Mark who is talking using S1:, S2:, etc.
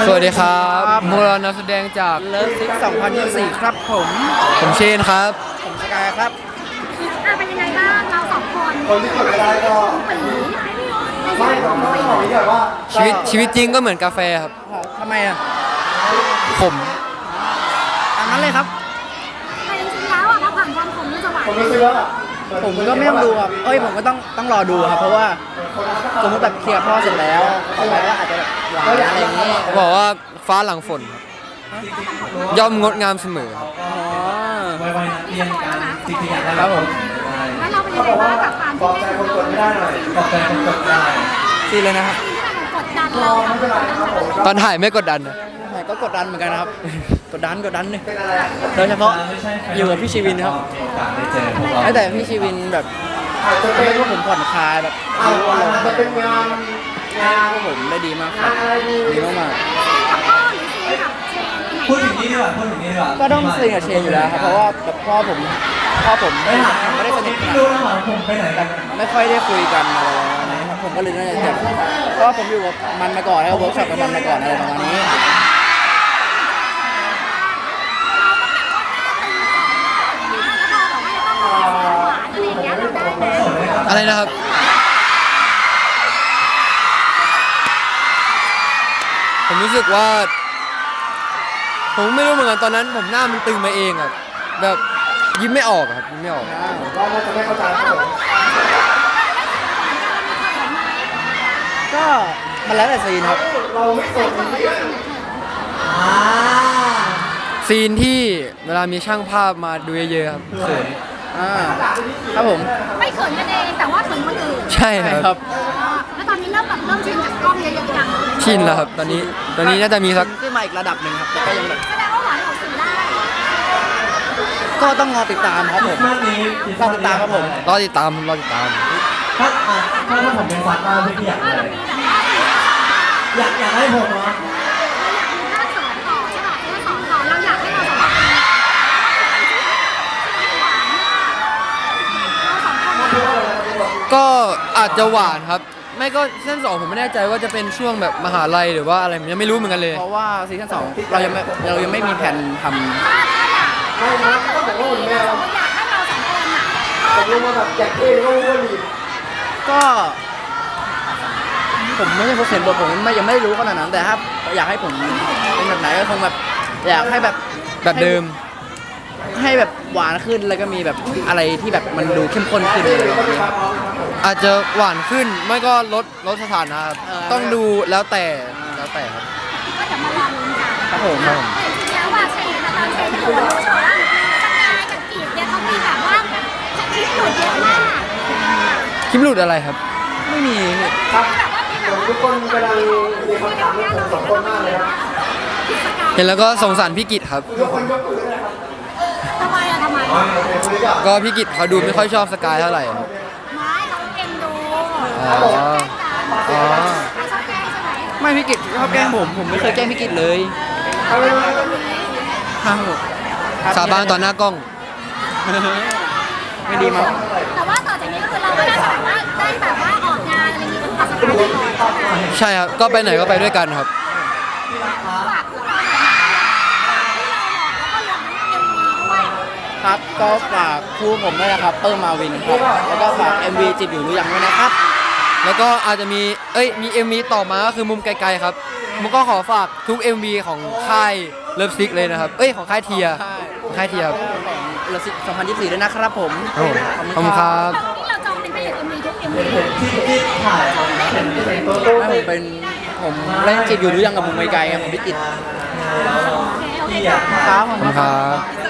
S1: สวัสดีครับพวกเรานักแสดงจาก
S2: เลิฟซิก2024ครับผม
S1: เชนครับ
S2: ผมสกายครับ
S3: เป็นยังไงบ้างเราสองคน
S2: ที่กดไม่ได้ก็
S3: ปี
S2: ไม่
S1: ชีวิตจริงก็เหมือนกาแฟครับ
S2: ทำไมอ่ะ
S1: ผม
S2: ตามนั้นเลยครับ
S3: แต่จริงๆแล้วถ้าผ่านความผมจะหวาน
S2: ผมก็ไม่ต้องดูครับผมก็ต้องรอดูครับเพราะว่าสมมติแบบเคลียร์พ่อเสร็จแล้วต่อไปก็อาจจะหวานอะไรอย่างนี้
S1: บอกว่าฟ้าหลังฝนย่อมงดงามเสมอ
S3: นี่สปอยแล้วนะสปอยแล้ว
S2: ครับผม
S3: แล้วเราเป็นยังไงบ้างกับการที่ได้ดู
S2: ซีเลยนะครับ
S3: ที่มันกดดันเรา
S1: ตอนถ่ายไม่กดดันนะ
S2: ก็กดดันเหมือนกันนะครับกดดันเลยโดยเฉพาะอยู่กับพี่ชีวินครับแต่พี่ชีวินแบบให้พวกผมผ่อนคลายแบบมันเป็นงานพวกผมได้ดีมากครับดีมาก
S3: พูดถึง
S4: นี้ดีกว่า
S2: ก็ต้องซีกับเชนอยู่แล้วครับเพราะว่าแบบพ่อผมไม่ได้สนิทกันไม่ค่อยได้คุยกันอะไรนะครับผมก็เลยน่าจะเจ็บเพราะผมอยู่กับมันมาก่อนแล้วเวิร์กช็อปกับมันมาก่อนอะไรประมาณนี้
S1: อะไรนะครับผมรู้สึกว่าผมไม่รู้เหมือนกันตอนนั้นผมหน้ามันตึงมาเองอะแบบยิ้มไม่ออกครับยิ้มไม่ออก
S2: ก็มันแล้วแต่ซีนครับ
S1: ซีนที่เวลามีช่างภาพมาดูเยอะๆครับเขิน
S2: ครับผม
S3: ไม่เขินกันเองแต่ว่าเขินคนอื่น
S1: ใช่ครับ
S3: แล้วตอนนี้เริ่มชินกับกล้องเยอะๆยัง
S1: ชินแล้วครับตอนนี้น่าจะมีสัก
S2: ขึ้นมาอีกระดับหนึ่งครับแต่ก็ยังแบบ
S3: แสดงว่าหวานออกสื่อได้
S2: ก็ต้องรอติดตามครับผมรอติดตามครับผม
S1: รอติดตาม
S4: ถ้าผมเป็นฟันว่าพี่อยากอะไรอยากให้ผมเหรอ
S1: ก็อาจจะหวานครับไม่ก็ซีซั่น2ผมไม่แน่ใจว่าจะเป็นช่วงแบบมหาลัยหรือว่าอะไรยังไม่รู้เหมือนกันเลย
S2: เพราะว่าซีซั่น2เรายังไม่มีแผนทำก็ผมไม่ใช่ผู้เขียนบทผมยังไม่รู้ขนาดนั้นแต่ถ้าอยากให้ผมเป็นแบบไหนก็คงแบบอยากให้แบบ
S1: เดิม
S2: ให้แบบหวานขึ้นแล้วก็มีแบบอะไรที่แบบมันดูเข้มข้นขึ้น
S1: อาจจะหวานขึ้นไม่ก็ลดสถานะต้องดูแล้วแต่ครับ
S3: ก็จะมาลองลุ้นกัน
S2: ครับผม
S3: จริงๆแล้วว่าเชนตอนเชนที่ผมรู้ว่าสกายกับกีดเนี่ยเขามีแบบว่าคลิปหลุดเยอะมาก
S1: คลิปหลุดอะไรครับ
S2: ไม่มี
S3: ครับทุกคนกำลังมีคำถามสองคนมากเลยครับ
S1: เห็นแล้วก็สงสารพี่กิตครับ
S3: ทำไม
S1: ก็พี่กิตเขาดูไม่ค่อยชอบสกายเท่าไหร่
S3: ไม่เขาเอ็นดูชอบแกล้งใช่ไหม
S2: ไม่พี่กิตชอบแกล้งผมไม่เคยแกล้งพี่กิตเลย
S1: สาบานต่อหน้ากล้อง
S2: ไม่ดีมั้ง
S3: แต่ว่าต่อจากนี้ก็คือเราก็ได้แบบว่าออกงานอะไรอย่างนี้กับสกายเลย
S1: ใช่ครับก็ไปไหนก็ไปด้วยกันครับ
S2: ครับก็ฝากคู่ผมด้วยนะครับเปิ้ลมาวินครับแล้วก็ฝาก MV จิตอยู่หรือยังด้วยนะครับ
S1: แล้วก็อาจจะมีMV ต่อมาก็คือมุมไกลๆครับผมก็ขอฝากทุก MV ของค่ายเลิฟซิกเลยนะครับของค่ายเทียครับ
S2: ของเลิฟซิก2024ด้วยนะครับผม
S1: ขอบคุณครับ
S3: นี่เราจองเป็นพระเอก MV ทุก MV
S4: ที่ถ่าย
S2: ผมเล่นจิตอยู่หรือยังกับมุมไกลๆผมพี่จิต
S3: โอเค
S2: ครับ
S1: ผมครับ